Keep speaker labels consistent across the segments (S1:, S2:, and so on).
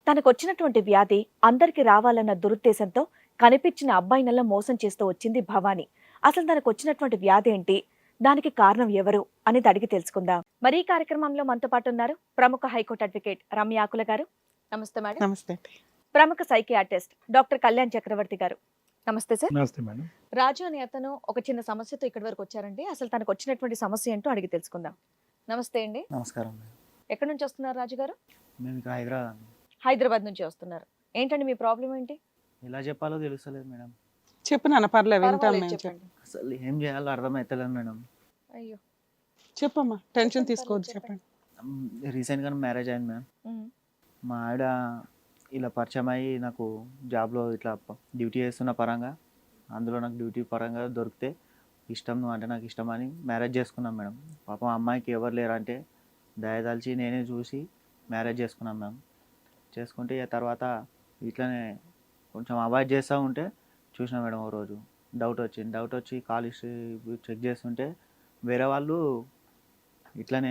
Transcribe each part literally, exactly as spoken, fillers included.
S1: తనకొచ్చినటువంటి వ్యాధి అందరికి రావాలన్న దురుద్దేశంతో కనిపించిన అబ్బాయినల్లా మోసం చేస్తూ వచ్చింది భవాని. అసలు తనకొచ్చినటువంటి వ్యాధి ఏంటి, దానికి కారణం ఎవరు అనేది అడిగి తెలుసుకుందాం. మరి ఈ కార్యక్రమంలో మనతో పాటు ఉన్నారు ప్రముఖ హైకోర్టు అడ్వకేట్ రమ్య ఆకుల గారు. నమస్తే మేడం.
S2: నమస్తే.
S1: ప్రముఖ సైకియాట్రిస్ట్ డాక్టర్ కళ్యాణ్ చక్రవర్తి గారు. నమస్తే సార్.
S3: నమస్తే మేడం.
S1: రాజు అనే అతను ఒక చిన్న సమస్యతో ఇక్కడి వరకు వచ్చారండి. అసలు తనకు వచ్చినటువంటి సమస్య ఏంటో అడిగి తెలుసుకుందాం. నమస్తే అండి.
S4: నమస్కారం మేడం.
S1: ఎక్కడి నుంచి వస్తున్నారు రాజు గారు?
S4: మేము ఇక్కడ హైదరాబాద్ అండి.
S1: హైదరాబాద్ నుంచి వస్తున్నారు. ఏంటండి మీ ప్రాబ్లం ఏంటి?
S4: ఎలా చెప్పాలో తెలుస్తలేదు మేడం.
S2: చెప్పు నాన్న, పర్లేదు వింటాం
S1: పర్వాలేదు,
S2: మేము.
S1: చెప్పండి.
S4: అసలు ఏం చేయాలో అర్థమవుతలేదు మేడం.
S1: అయ్యో,
S2: చెప్పమ్మా, టెన్షన్ తీసుకోవద్దు, చెప్పండి.
S4: రీసెంట్గా మ్యారేజ్ అయింది మ్యామ్.
S1: ఉమ్,
S4: మా ఆవిడ ఇలా పరిచయం అయ్యి నాకు జాబ్లో ఇట్లా డ్యూటీ చేస్తున్న పరంగా, అందులో నాకు డ్యూటీ పరంగా దొరికితే ఇష్టం, నువ్వు అంటే నాకు ఇష్టం అని మ్యారేజ్ చేసుకున్నాం మేడం. పాపం అమ్మాయికి ఎవరు లేరంటే దయదాల్చి నేనే చూసి మ్యారేజ్ చేసుకున్నాం మ్యామ్. చేసుకుంటే ఇక తర్వాత ఇట్లనే కొంచెం అవాయిడ్ చేస్తూ ఉంటే చూసిన మేడం ఓ రోజు డౌట్ వచ్చింది. డౌట్ వచ్చి కాల్ హిస్టరీ చెక్ చేస్తుంటే వేరే వాళ్ళు ఇట్లనే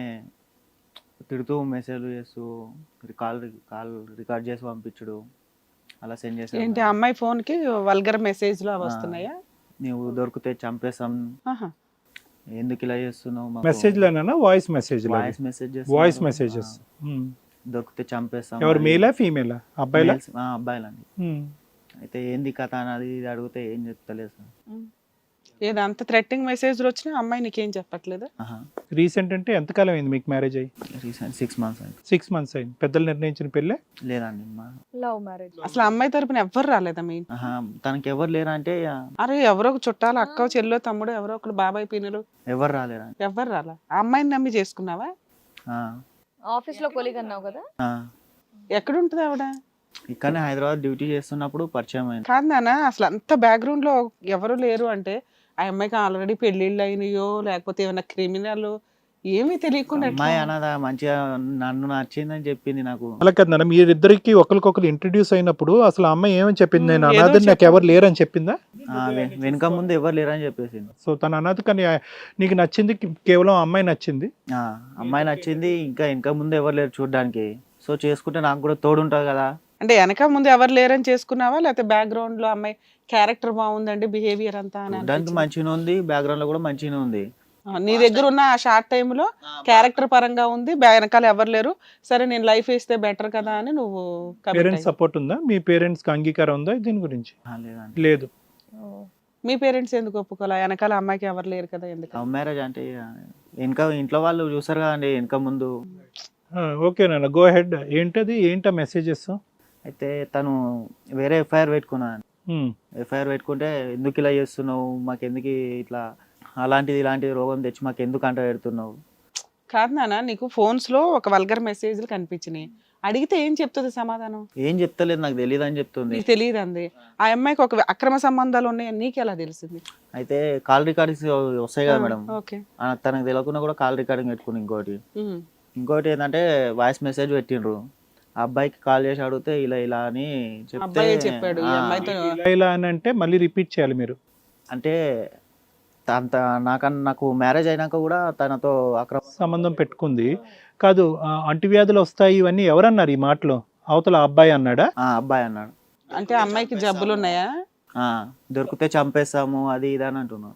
S4: తిడుతూ మెసేజ్లు చేస్తూ కాల్ కాల్ రికార్డ్ చేసి పంపించడు, అలా సెండ్ చేసి
S2: ఏంటి అమ్మాయి ఫోన్ కి వల్గర్ మెసేజ్ లో వస్తున్నాయా?
S4: నువ్వు దొరికితే చంపేస్తాం,
S2: ఆహా.
S4: ఎందుకు ఇలా చేస్తున్నావు,
S3: మెసేజ్ లోనా voice message
S4: voice message
S3: voice messages
S4: దొరికితే చంపేస్తాం.
S3: ఎవరు, మేలా ఫీమేలా? అబ్బాయిలా?
S4: అబ్బాయిలండి. అయితే ఏంది కథ అనేది ఇది అడిగితే ఏం చెప్తలేదు సార్.
S2: ఏదో అంత థ్రెట్టింగ్ మెసేజ్ వచ్చినా అమ్మాయి నీకేం చెప్పట్లేదు?
S3: రీసెంట్ అంటే ఎంతకాలం అయింది మీకు మ్యారేజ్ అయ్యి?
S4: రీసెంట్ సిక్స్ మంత్స్ అయింది.
S3: సిక్స్ మంత్స్ అయింది. పెద్దలు నిర్ణయించిన పెళ్ళే?
S4: లేదండి, మా
S1: లవ్ మ్యారేజ్.
S2: అసలు అమ్మాయి తరపున ఎవ్వరు రాలేదా మీ?
S4: ఆహా, తనకి ఎవరు లేరా అంటే
S2: అరే ఎవరో ఒక చుట్టాలు, అక్క చెల్లో తమ్ముడు, ఎవరో ఒకరు, బాబాయ్ పిన్నులు,
S4: ఎవరు రాలేరా?
S2: ఎవ్వరు రాలా. ఆ అమ్మాయిని నమ్మి చేసుకున్నావా?
S1: ఆఫీస్ లో కొలీగ్ అన్నావు కదా,
S2: ఎక్కడుంటది ఆవిడ?
S4: ఇక్కడనే హైదరాబాద్ డ్యూటీ చేస్తున్నప్పుడు పరిచయం అయింది.
S2: కాదు నాన్న, అసలు అంత బ్యాక్గ్రౌండ్ లో ఎవరు లేరు అంటే ఆ అమ్మాయికి ఆల్రెడీ పెళ్లిళ్ళు అయినాయో లేకపోతే ఏమైనా క్రిమినల్ ఏమీ తెలియకుండా
S4: అమ్మాయి అన్నదా మంచిగా నన్ను నచ్చిందని చెప్పింది నాకు.
S3: అలా కదా, మీరిద్దరికి ఒకరికొకరు ఇంట్రడ్యూస్ అయినప్పుడు అసలు ఆ అమ్మాయి ఏమని చెప్పింది? నేను
S2: ఏదో
S3: అనాథని, నాకు ఎవరు లేరని చెప్పిందా?
S4: ఆ, వె- వెనుక ముందు ఎవరు లేరని చెప్పేసింది.
S3: సో తన అనాథ, కానీ నీకు నచ్చింది కేవలం ఆ అమ్మాయి నచ్చింది.
S4: ఆ, అమ్మాయి నచ్చింది, ఇంకా వెనుక ముందు ఎవరు లేరు చూడడానికి. సో చేసుకుంటే నాకు కూడా తోడు ఉంటుంది కదా.
S2: అంటే వెనక ముందు ఎవరు లేరని చేసుకున్నావా లేకపోతే బ్యాక్గ్రౌండ్ లో అమ్మాయి క్యారెక్టర్ బాగుందండి, బిహేవియర్ అంతా అని
S4: చూడడానికి
S2: అనిపించిందా?
S4: మంచిగా ఉంది, బ్యాక్గ్రౌండ్ లో కూడా మంచిగా ఉంది.
S2: ఆ, నీ దగ్గర ఉన్న ఆ షార్ట్ టైమ్ లో క్యారెక్టర్ పరంగా ఉంది, బ్యా- వెనకాల ఎవరు లేరు, సరే నేను లైఫ్ వేస్తే బెటర్ కదా అని నువ్వు commit
S3: పేరెంట్స్
S2: అయ్యావు.
S3: సపోర్ట్ ఉందా? మీ పేరెంట్స్ కి అంగీకారం ఉందా దీని గురించి?
S4: ఆ, లేదండి.
S3: లేదు.
S2: మీ పేరెంట్స్ ఎందుకు ఒప్పుకోలే? వెనకాల అమ్మాయికి ఎవరు లేరు కదా, ఎందుకు?
S4: లవ్ మ్యారేజ్ అంటే ఇక వెనక ఇంట్లో వాళ్ళు చూసారు కదండి వెనక ముందు.
S3: ఓకే నాన్న, గో హెడ్. ఏంటది, ఏంటా మెసేజెస్?
S4: అయితే తను వేరే ఎఫ్ఐఆర్ పెట్టుకున్నాను. ఎఫ్ఐఆర్ పెట్టుకుంటే ఎందుకు ఇలా చేస్తున్నావు, మాకు ఎందుకు ఇట్లా అలాంటిది ఇలాంటిది రోగం తెచ్చి మాకు ఎందుకు అంట పెడుతున్నావు.
S2: కాదు నాన్న, నీకు ఫోన్స్ లో ఒక వల్గర్ మెసేజ్లు కనిపించినాయి, అడిగితే ఏం చెప్తుంది సమాధానం?
S4: ఏం చెప్తలేదు, నాకు తెలియదు అని చెప్తుంది.
S2: నీకు తెలియదు అంది. ఆ అమ్మాయికి ఒక అక్రమ సంబంధాలు ఉన్నాయని నీకు ఎలా తెలిసింది?
S4: అయితే కాల్ రికార్డింగ్స్ వస్తాయి కదా మేడం,
S2: ఓకే.
S4: ఆ, తనకు తెలియకుండా కూడా కాల్ రికార్డింగ్ పెట్టుకుని. ఇంకోటి
S2: ఉమ్.
S4: ఇంకోటి ఏంటంటే వాయిస్ మెసేజ్ పెట్టిండ్రు. ఆ అబ్బాయికి కాల్ చేసి అడిగితే ఇలా ఇలా అని చెప్తే
S2: అబ్బాయే చెప్పాడు ఈ
S4: ఆ,
S2: అమ్మాయితో.
S3: ఇలా ఇలా అని అంటే మళ్ళీ రిపీట్ చేయాలి మీరు.
S4: అంటే అంత నాకన్నా నాకు మ్యారేజ్ అయినాక కూడా తనతో అక్రమ
S3: సంబంధం పెట్టుకుంది కాదు, ఆ, అంటువ్యాధులు వస్తాయి ఇవన్నీ ఎవరన్నారు ఈ మాటలో? అవతల ఆ అబ్బాయి అన్నాడా?
S4: ఆ, అబ్బాయి అన్నాడు.
S2: అంటే అమ్మాయికి జబ్బులు ఉన్నాయా?
S4: ఆ, దొరికితే చంపేస్తాము అది ఇది అని అంటున్నాడు.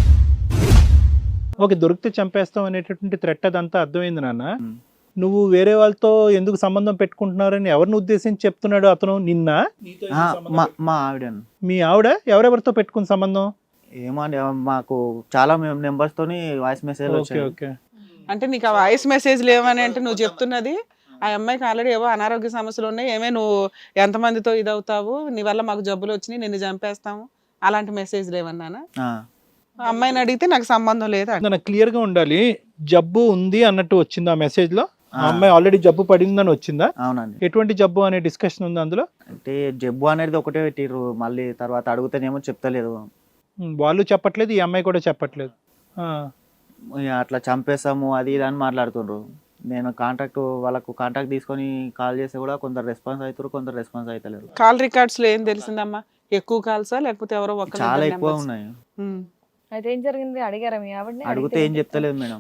S3: ఓకే, దొరికితే చంపేస్తాం అనేటటువంటి థ్రెట్ అదంతా అర్థమైంది నాన్న.
S4: ఉమ్.
S3: నువ్వు వేరే వాళ్ళతో ఎందుకు సంబంధం పెట్టుకుంటున్నారని ఎవరిని ఉద్దేశించి చెప్తున్నాడు అతను? నిన్న
S4: ఆ, మా మా ఆవిడను
S3: మీ ఆవిడ ఎవరెవరితో పెట్టుకున్న సంబంధం?
S4: ఏమో అండి, మాకు చాలా నెంబర్స్ తోని వాయిస్ మెసేజ్
S3: ఓకే
S4: వచ్చాయి.
S2: అంటే
S3: ఓకే
S2: నీకు ఆ వాయిస్ మెసేజ్ లేవని అంటే నువ్వు చెప్తున్నది ఆ అమ్మాయికి ఆల్రెడీ ఏవో అనారోగ్య సమస్యలు ఉన్నాయి, ఏమే నువ్వు ఎంతమందితో ఇదవుతావు, నీ వల్ల మాకు జబ్బులు వచ్చినాయి, నిన్ను చంపేస్తాము, అలాంటి మెసేజ్ లేవన్నానా?
S4: ఆ,
S2: ఆ అమ్మాయిని అడిగితే నాకు సంబంధం లేదు అంట.
S3: నాకు క్లియర్ గా ఉండాలి. జబ్బు ఉంది అన్నట్టు వచ్చింది ఆ మెసేజ్ లో? ఆ అమ్మాయి ఆల్రెడీ జబ్బు పడిందని వచ్చిందా?
S4: అవునండి.
S3: ఎటువంటి జబ్బు అనే డిస్కషన్ ఉంది అందులో?
S4: అంటే జబ్బు అనేది ఒకటే పెట్టిర్రు, మళ్ళీ తర్వాత అడుగుతానేమో చెప్తలేదు.
S3: ఉమ్, వాళ్ళు చెప్పట్లేదు, ఈ అమ్మాయి కూడా చెప్పట్లేదు. ఆ,
S4: ఇక అట్లా చంపేస్తాము అది ఇది అని మాట్లాడుతుండ్రు. నేను కాంటాక్ట్ వాళ్ళకు కాంటాక్ట్ తీసుకొని కాల్ చేస్తే కూడా కొందరు రెస్పాన్స్ అవుతారు, కొందరు రెస్పాన్స్ అవుతలేరు.
S2: కాల్ రికార్డ్స్ లో ఏం తెలిసిందమ్మా? ఎక్కువ కాల్సా లేకపోతే ఎవరో ఒకరు
S4: చాలా
S2: ఇద్దరు
S4: ఎక్కువ
S2: numbers?
S4: ఉన్నాయి.
S2: ఉమ్.
S1: అయితే ఏం జరిగింది, అడిగారా మీ ఆవిడని?
S4: అడిగితే ఏం చెప్తలేదు మేడం.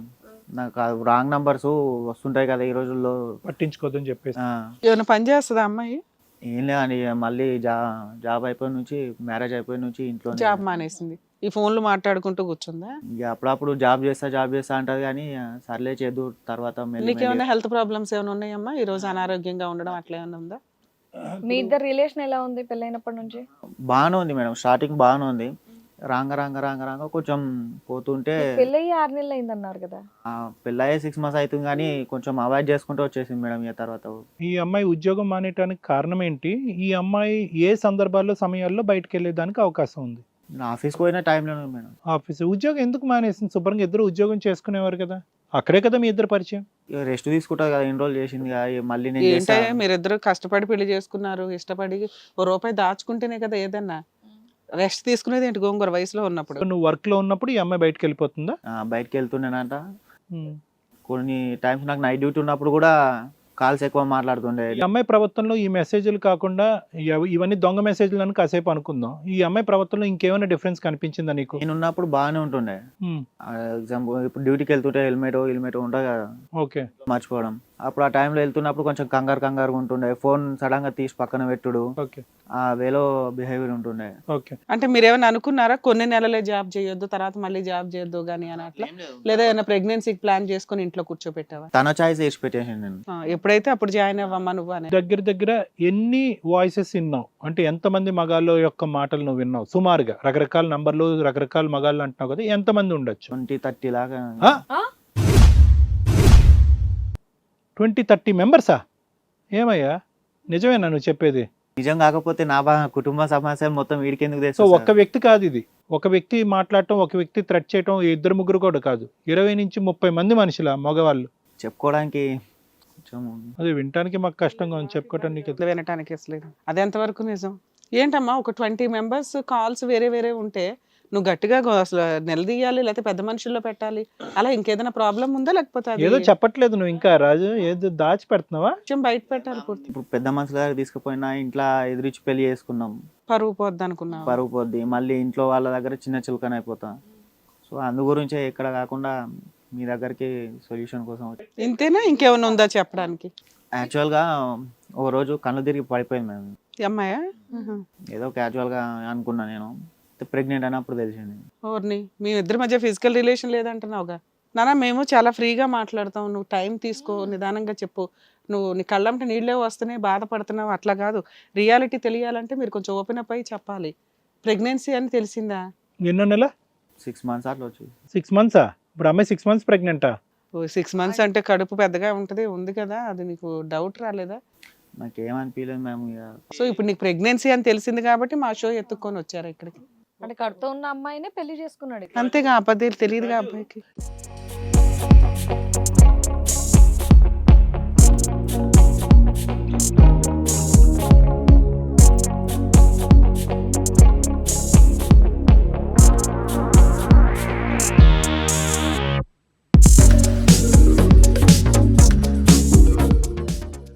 S4: నాకు రాంగ్ నంబర్స్ వస్తుంటాయి కదా ఈ రోజుల్లో.
S3: పట్టించుకోదని చెప్పేసి
S4: ఆ,
S2: ఏమైనా పని చేస్తుందా అమ్మాయి?
S4: ఏం లేదండి, మళ్ళీ జా జాబ్ అయిపోయిన నుంచి, మ్యారేజ్ అయిపోయిన నుంచి ఇంట్లో
S2: జాబ్ మానేసింది, ఈ ఫోన్లు మాట్లాడుకుంటూ కూర్చుందా?
S4: ఇక అప్పుడప్పుడు జాబ్ చేస్తా జాబ్ చేస్తా అంటది కానీ ఆ, సర్లే చేద్దు తర్వాత మెల్లి మెల్లి.
S2: నీకేమైనా హెల్త్ ప్రాబ్లమ్స్ ఏమైనా ఉన్నాయమ్మా? ఈ రోజు అనారోగ్యంగా ఉండడం అట్లా ఏమైనా ఉందా?
S1: మీ ఇద్దరు రిలేషన్ ఎలా ఉంది పెళ్ళైనప్పటి నుంచి?
S4: బాగానే ఉంది మేడం, స్టార్టింగ్ బాగానే ఉంది. రాంగ రాంగ రాంగ రాంగ కొంచెం పోతుంటే
S1: పెళ్ళయి ఆరు నెలలు అయిందన్నారు కదా.
S4: ఆ, పెళ్ళయ్యే సిక్స్ మంత్స్ అవుతుంది కానీ కొంచెం అవాయిడ్ చేసుకుంటూ వచ్చేసింది మేడం. ఇక తర్వాత
S3: ఈ అమ్మాయి ఉద్యోగం మానేయడానికి కారణం ఏంటి? ఈ అమ్మాయి ఏ సందర్భాల్లో సమయాల్లో బయటకు వెళ్ళేదానికి అవకాశం ఉంది?
S4: నేను ఆఫీస్కి పోయిన టైంలోనే మేడం.
S3: ఆఫీస్ ఉద్యోగం ఎందుకు మానేసింది? శుభ్రంగా ఇద్దరు ఉద్యోగం చేసుకునేవారు కదా, అక్కడే కదా మీ ఇద్దరు పరిచయం.
S4: ఇక రెస్ట్ తీసుకుంటుంది కదా, ఎన్ని రోజులు చేసింది కదా, ఇక మళ్ళీ నేను చేస్తా.
S2: ఏంటంటే మీరిద్దరు కష్టపడి పెళ్లి చేసుకున్నారు, ఇష్టపడి ఓ రూపాయి దాచుకుంటేనే కదా ఏదన్నా. రెస్ట్ తీసుకునేది ఏంటి గోంగూర వయసులో ఉన్నప్పుడు?
S3: నువ్వు వర్క్ లో ఉన్నప్పుడు ఈ అమ్మాయి బయటకు వెళ్ళిపోతుందా?
S4: ఆ, బయటికి వెళ్తుండేనంట.
S3: ఉమ్.
S4: కొన్ని టైమ్స్ నాకు నైట్ డ్యూటీ ఉన్నప్పుడు కూడా కాల్స్ ఎక్కువ మాట్లాడుతుండే.
S3: ఈ అమ్మాయి ప్రవర్తనలో ఈ మెసేజ్లు కాకుండా ఇవ- ఇవన్నీ దొంగ మెసేజ్లు అని కాసేపు అనుకుందాం. ఈ అమ్మాయి ప్రవర్తనలో ఇంకేమైనా డిఫరెన్స్ కనిపించిందా నీకు?
S4: నేను ఉన్నప్పుడు బాగానే ఉంటుండే.
S3: ఉమ్.
S4: ఎగ్జాంపుల్ ఇప్పుడు డ్యూటీకి వెళ్తుంటే హెల్మెట్ హెల్మెట్ ఉంటుంది కదా,
S3: ఓకే.
S4: మర్చిపోవడం. అప్పుడు ఆ టైంలో వెళ్తున్నప్పుడు కొంచెం కంగారు కంగారు ఉంటుండే, ఫోన్ సడన్ గా తీసి పక్కన పెట్టుడు,
S3: ఓకే.
S4: ఆ వేలో బిహేవియర్ ఉంటుండే.
S3: ఓకే.
S2: అంటే మీరేమైనా అనుకున్నారా కొన్ని నెలలే జాబ్ చేయొద్దు తర్వాత మళ్ళీ జాబ్ చేయొద్దు కానీ అని అట్లా? లేదా ఏమైనా ప్రెగ్నెన్సీకి ప్లాన్ చేసుకొని ఇంట్లో కూర్చోపెట్టావా?
S4: తన చాయిస్ వేసి పెట్టేసాను నేను.
S2: ఆ, ఎప్పుడైతే అప్పుడు జాయిన్ అవ్వమ్మా నువ్వు అని.
S3: దగ్గర దగ్గర ఎన్ని వాయిసెస్ విన్నావు? అంటే ఎంతమంది మగాళ్ళ యొక్క మాటలు నువ్వు విన్నావు సుమారుగా? రకరకాల నంబర్లు రకరకాల మగాళ్ళు అంటున్నావు కదా, ఎంతమంది ఉండొచ్చు?
S4: ట్వంటీ థర్టీ లాగా.
S3: ట్వంటీ థర్టీ మెంబర్సా? ఏమయ్యా నిజమేనా నువ్వు చెప్పేది?
S4: నిజం కాకపోతే నా బా కుటుంబ సమస్య మొత్తం వీడికెందుకు
S3: సో
S4: తెస్తా
S3: ఒక్క వ్యక్తి కాదు ఇది, ఒక వ్యక్తి మాట్లాడటం, ఒక వ్యక్తి థ్రెట్ చేయటం, ఇద్దరు ముగ్గురు కూడా కాదు, ఇరవై నుంచి ముప్పై మంది మనుషుల మగవాళ్ళు.
S4: చెప్పుకోవడానికి కొంచెం
S3: అదే వినటానికి మాకు కష్టంగా ఉంది, చెప్పుకోవటానికి.
S2: ఇట్లా వినటానికి అసలు అది ఎంతవరకు నిజం? ఏంటమ్మా ఒక ట్వంటీ మెంబర్స్ కాల్స్ వేరే వేరే ఉంటే నువ్వు గట్టిగా గో- అసలు నిలదీయాలి లేకపోతే పెద్ద మనుషుల్లో పెట్టాలి, అలా ఇంకేదైనా ప్రాబ్లం ఉందా లేకపోతే అది
S3: ఏదో చెప్పట్లేదు నువ్వు ఇంకా రాజు, ఏదో దాచి పెడుతున్నావా?
S2: కొంచెం బయట పెట్టాలి పూర్తి?
S4: ఇప్పుడు పెద్ద మనుషుల దగ్గర తీసుకుపోయినా ఇంట్లో ఎదురిచ్చి పెళ్లి చేసుకున్నాం,
S2: పరువు పోద్ది అనుకున్నావు?
S4: పరుగు పోద్ది. మళ్ళీ ఇంట్లో వాళ్ళ దగ్గర చిన్న చిలుకన అయిపోతా. సో అందు గురించే ఇక్కడ కాకుండా మీ దగ్గరికి సొల్యూషన్ కోసం వచ్చి.
S2: ఇంతేనా ఇంకేమైనా ఉందా చెప్పడానికి?
S4: యాక్చువల్గా ఓ రోజు కళ్ళు తిరిగి పడిపోయింది మేము.
S2: ఈ అమ్మాయా?
S4: ఏదో క్యాజువల్గా అనుకున్నా నేను, ప్రెగ్నెంట్ అయినప్పుడు తెలిసింది.
S2: ఓర్ని మీ ఇద్దరి మధ్య ఫిజికల్ రిలేషన్ లేదంటున్నావుగా? నానా మేము చాలా ఫ్రీగా మాట్లాడతాం, నువ్వు టైం తీసుకో, నిదానంగా చెప్పు. నువ్వు నీ కళ్ళంటే నీళ్ళే వస్తున్నాయి బాధపడుతున్నావు అట్లా కాదు, రియాలిటీ తెలియాలంటే మీరు కొంచెం ఓపెన్ అప్ అయ్యి చెప్పాలి. ప్రెగ్నెన్సీ అని తెలిసిందా?
S3: ఎన్నో నెల?
S4: సిక్స్ మంత్స్ అట్లా వచ్చి.
S3: సిక్స్ మంత్సా? ఇప్పుడు అమ్మాయి సిక్స్ మంత్స్ ప్రెగ్నెంటా?
S2: సిక్స్ మంత్స్ అంటే కడుపు పెద్దగా ఉంటది ఉంది కదా, అది నీకు డౌట్ రాలేదా?
S4: నాకేమనిపించలేదు మేము. ఇక
S2: సో ఇప్పుడు నీకు ప్రెగ్నెన్సీ అని తెలిసింది కాబట్టి మా షో ఎత్తుక్కొని వచ్చారు ఇక్కడికి.
S1: అంటే కడుతూ ఉన్న అమ్మాయినే పెళ్లి చేసుకున్నాడు.
S2: అంతేగా అబద్ధాలు తెలియదుగా అబ్బాయికి.